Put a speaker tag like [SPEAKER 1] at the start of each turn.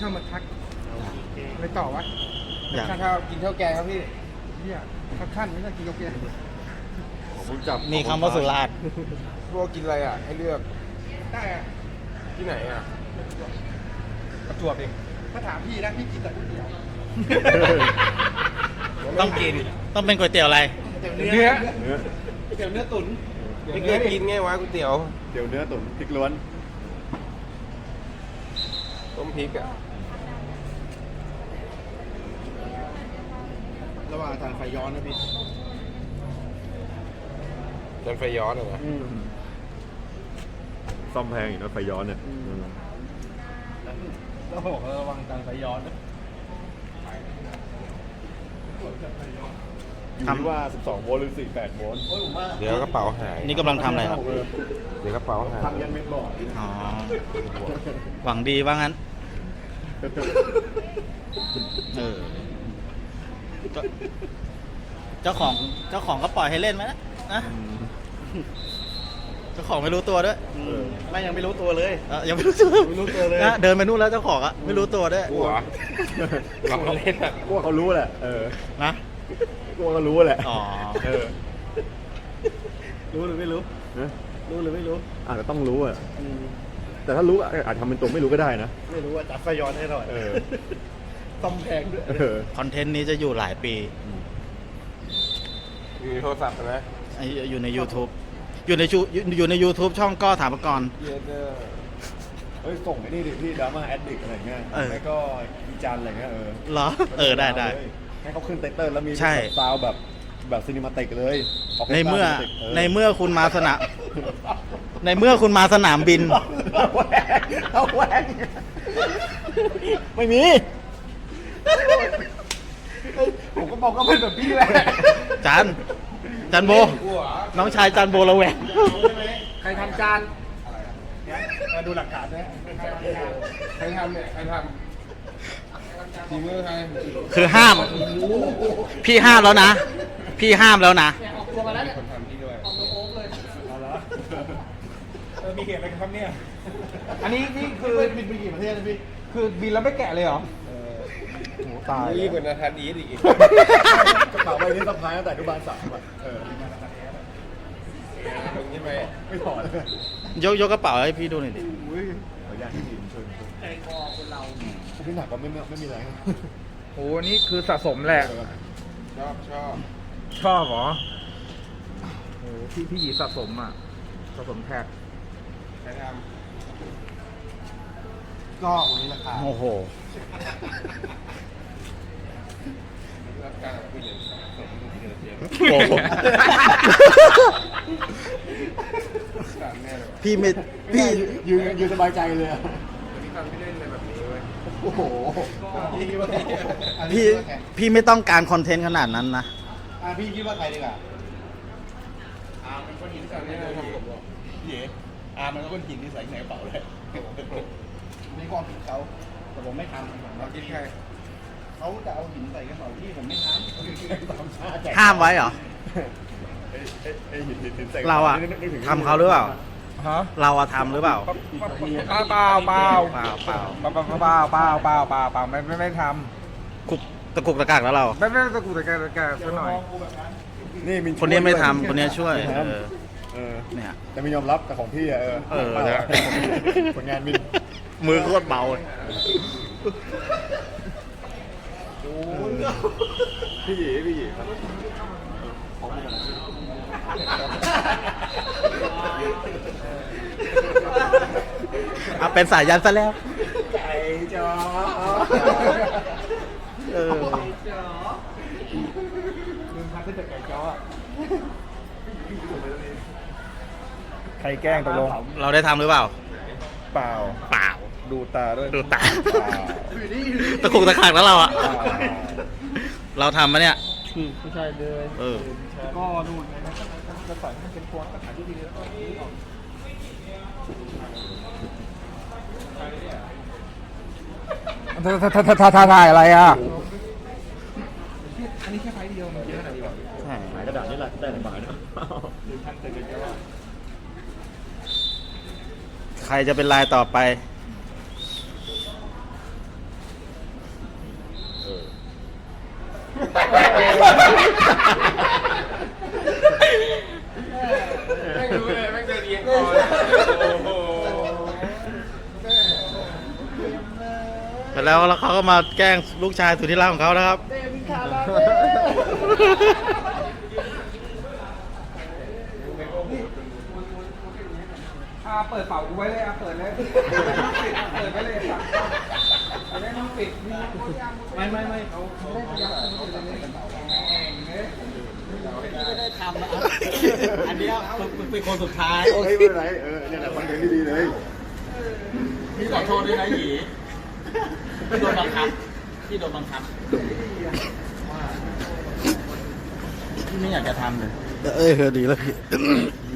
[SPEAKER 1] มาทักไปต่อวะ
[SPEAKER 2] อยาก
[SPEAKER 1] ข้าวกินข้าวแกงครับพี่เนี่ยขั้นไม่ต้องกินข้าวแกง
[SPEAKER 3] ผมจับ
[SPEAKER 2] มีคำว่าสุราษฎร์
[SPEAKER 3] พวกกินอะไรอ่ะ ให้เลือก
[SPEAKER 1] ได้อะ
[SPEAKER 3] ที่ไหนอ่ะ
[SPEAKER 1] ประจวบเองถ้าถามพี่นะพี่กินแต่ก๋วยเตี๋ยว
[SPEAKER 2] ต้องกิน ต้องเป็นก๋วยเตี๋ยวอะไร
[SPEAKER 1] เนื้อ
[SPEAKER 3] เนื้อ
[SPEAKER 1] ก๋วยเตี๋ยวเนื้อตุ๋น
[SPEAKER 3] ไม่เคยกินไงวะก๋วยเตี๋ยว
[SPEAKER 4] เดี๋ยวเนื้อตุ๋นพริกล้วน
[SPEAKER 3] ต้มพริกอ่ะ
[SPEAKER 1] ระหว่างทานไฟย้อนนะพี่
[SPEAKER 3] จนไฟย้อนอ่ะนะ
[SPEAKER 4] ซ่อมแพงอีกนะไฟย้อนเนี่ย
[SPEAKER 1] แล้วบอกระวังทานไฟย้อนนะ
[SPEAKER 4] อยู่ที่ว่า 12 โวลต์หรือ 48 โวลต์
[SPEAKER 3] เดี๋ยวกระเป๋าหาย
[SPEAKER 2] นี่กำลังทำอะไรครับ
[SPEAKER 3] เดี๋ยวกระเป๋าหาย
[SPEAKER 4] ทำยันเม็ดบอด
[SPEAKER 2] อ๋อ หวังดีว่างั้น เออก็เจ้าของก็ปล่อยให้เล่นไหมนะเจ้าของไม่รู้ตัวด้วย
[SPEAKER 1] ไม่ยังไม่รู้ตัวเลย
[SPEAKER 2] ยังไม่รู้ตัว
[SPEAKER 1] ไม่รู้ตัวเลย
[SPEAKER 2] นะเดินไปนู่นแล้วเจ้าของอะไม่รู้ตัวด้วย
[SPEAKER 3] กลัวเราเล่นอ่ะ
[SPEAKER 4] กูว่าเขารู้แหละ
[SPEAKER 2] นะ
[SPEAKER 4] กูว่าเขารู้แหละ
[SPEAKER 2] อ๋อ
[SPEAKER 1] รู้หรือไม่รู้
[SPEAKER 4] นะ
[SPEAKER 1] รู้หรือไม่รู้
[SPEAKER 4] อาจจะต้องรู้อ่ะ แต่ถ้ารู้อะอาจทำเป็นตัวไม่รู้ก็ได้นะ
[SPEAKER 1] ไม่รู้ว่าจัดไฟย้อนให้หน่อย
[SPEAKER 4] เออ
[SPEAKER 1] ซ่อมแพงด้วย
[SPEAKER 2] คอนเทนต์นี้จะอยู่หลายปี
[SPEAKER 3] อยู่ในโทรศัพท์นะ
[SPEAKER 2] อยู่ใน YouTube อยู่ใน YouTube ช่องก็ถามก่อน
[SPEAKER 3] เยเดอร์
[SPEAKER 4] เฮ้ย ส่งไอ้นี่ดิพี่ดราม่าแอดดิกอะไรเงี้ย
[SPEAKER 2] เออ
[SPEAKER 4] แล้วก็วิจารณ์อะไรเงี้ย
[SPEAKER 2] เหรอ ได้
[SPEAKER 4] ให้เขาขึ้นไตเติ้ลแล้วมี
[SPEAKER 2] ใช่
[SPEAKER 4] ซาวด์แบบซีนิมาติกเลยออก
[SPEAKER 2] ในเมื่อ
[SPEAKER 4] cinematic
[SPEAKER 2] ในเมื่อคุณมาสนามในเมื่อคุณมาสนามบิน
[SPEAKER 4] เอาแหวงไม่มี
[SPEAKER 1] ผมก็บอกก็เป็นแบบพี่แหละ
[SPEAKER 2] จันโบ น้องชายจันโบระแวง
[SPEAKER 1] ใครทำจานมาดูหลักฐานนะ
[SPEAKER 3] ใครทำเนี่ย ใครทำทีมือใคร
[SPEAKER 2] คือห้าม พี่ห้ามแล้วนะ พี่ห้ามแล้วนะ
[SPEAKER 3] มีคนทำที่ด้วย
[SPEAKER 1] มีเหตุอะไรกันครับเนี่ย อันนี้นี่คือบินไปกี่ประเทศนะพี่ คือบินแล้วไม่แกะเลยเหรอ
[SPEAKER 4] โหตาย
[SPEAKER 3] นี่เป็นนาธานอีทอีก
[SPEAKER 4] กระเป๋าใบนี้สะพายตั้งแต่อนุบาล 3อ่ะ
[SPEAKER 3] มึงใช่ไหม
[SPEAKER 4] ไม่ถอดเลย
[SPEAKER 2] ยกกระเป๋าให้พี่ดูหน่อยดิ
[SPEAKER 4] ขออนุญาตที่ดีเชิญใจคอคนเราพี่หนักก็ไม่มีแรง
[SPEAKER 1] โอ้นี่คือสะสมแหละ
[SPEAKER 3] ชอบ
[SPEAKER 1] ชอบเหรอโอ้พี่หยีสะสมอ่ะ สะสมแท็ก
[SPEAKER 3] ใครท
[SPEAKER 1] ก็วันนี้ราคา
[SPEAKER 2] โอ้โห
[SPEAKER 3] ำรับการผู้หญิงสมเดือดเย็น
[SPEAKER 2] โอ้โห
[SPEAKER 3] สามแน่เลย
[SPEAKER 2] พี่ไม่พี่
[SPEAKER 4] ยืนสบายใจเลยอะ
[SPEAKER 3] พี่ทำไม่เล่นอะไรแบบนี้เว้ย
[SPEAKER 4] โอ้โห
[SPEAKER 2] พี่ไม่ต้องการคอนเทนต์ขนาดนั้นนะ
[SPEAKER 1] พี่คิดว่าใครดีกว่า
[SPEAKER 3] เป็นคนหินสามแน่เลยทำผมหรอ
[SPEAKER 1] พี่เอ๋มันก็ก้นหินที่ใส่ในกระเป๋าเลยนี่ความผิดเขาแต่ผมไม่ทำ
[SPEAKER 3] เรากินใคร
[SPEAKER 1] เขาจะเอาหินใส่กระเป๋าพี่ผมไม่ทำ
[SPEAKER 2] ห้ามไว้เหรอ
[SPEAKER 4] ไอ้หินใส่
[SPEAKER 2] เราอะ
[SPEAKER 4] นึกถึง
[SPEAKER 2] ทำเขาหรือเปล่า
[SPEAKER 1] ฮะ
[SPEAKER 2] เราอะทำหรือเปล่า
[SPEAKER 1] เปล่าเปล่า
[SPEAKER 2] เปล่า
[SPEAKER 1] เปล่าไม่ท
[SPEAKER 2] กุกตะกุกตะกักแล้วเรา
[SPEAKER 1] ำไม่ตะกุกตะแกซะหน่อย
[SPEAKER 4] นี่มิน
[SPEAKER 2] คนนี้ไม่
[SPEAKER 4] ช่วย
[SPEAKER 2] ทำคนนี้ช่วย
[SPEAKER 4] ไม่ทำ
[SPEAKER 2] เออ เนี่ย
[SPEAKER 4] แต่ไม่ยอมรับแต่ของพี่อะ
[SPEAKER 2] เออ
[SPEAKER 4] ผลงานมิน
[SPEAKER 2] มือโคตรเบาเลย
[SPEAKER 4] พี่หยีครับ
[SPEAKER 2] เอาเป็นสายยันซะแล้ว
[SPEAKER 4] ไก่จ๋อ
[SPEAKER 2] เออ
[SPEAKER 1] ลืมพักขึ้นจากไก่จ้อใครแกล้งตกลง
[SPEAKER 2] เราได้ทำหรือเปล่า
[SPEAKER 1] เปล่า
[SPEAKER 2] เปล่า
[SPEAKER 1] ดูตาด้วย
[SPEAKER 2] ดูตา ตะกุกตะกักแล้วเราอะเราทำมะเนี่ย
[SPEAKER 1] ไม่ใช่เลย
[SPEAKER 2] เออ
[SPEAKER 1] ก็ดูไงนะจะใส่ให้เป็นพวงแล้วก็ถ่ายที่ดีแล้วก็นี่ออกถ่ายอะไรอ่ะ อันนี้แค่ไฟเดียวมันเยอะขนาดนี้หรอ
[SPEAKER 2] ใช่
[SPEAKER 4] หมายกระดาษนี่แหละได้หลายบาทนะ
[SPEAKER 2] ใครจะเป็นลายต่อไป
[SPEAKER 3] ไม่รู้เลยไม่เคยเรียนก่อนโอ้โห
[SPEAKER 2] ไปแล้วเขาก็มาแกล้งลูกชายสุดที่รักของเขานะครับ
[SPEAKER 5] เปิดเป่ากูไว้เลยเปิดเลยเปิดไว้เลยครับไม่ต้องปิดไม่เขาได้พยายาม
[SPEAKER 2] ไม่ได้ทำนะอันนี้เป็นคนสุดท้าย
[SPEAKER 4] โอเคไม่เป็นไรเนี่ยแหละคอนเทนต์ที่ดีเลย
[SPEAKER 2] พี่ขอโทษด้วยนะหยีพี่โดนบังคับพี่โดนบังคับพี่ไม่อยากจะทำเลยดีแล้วพี่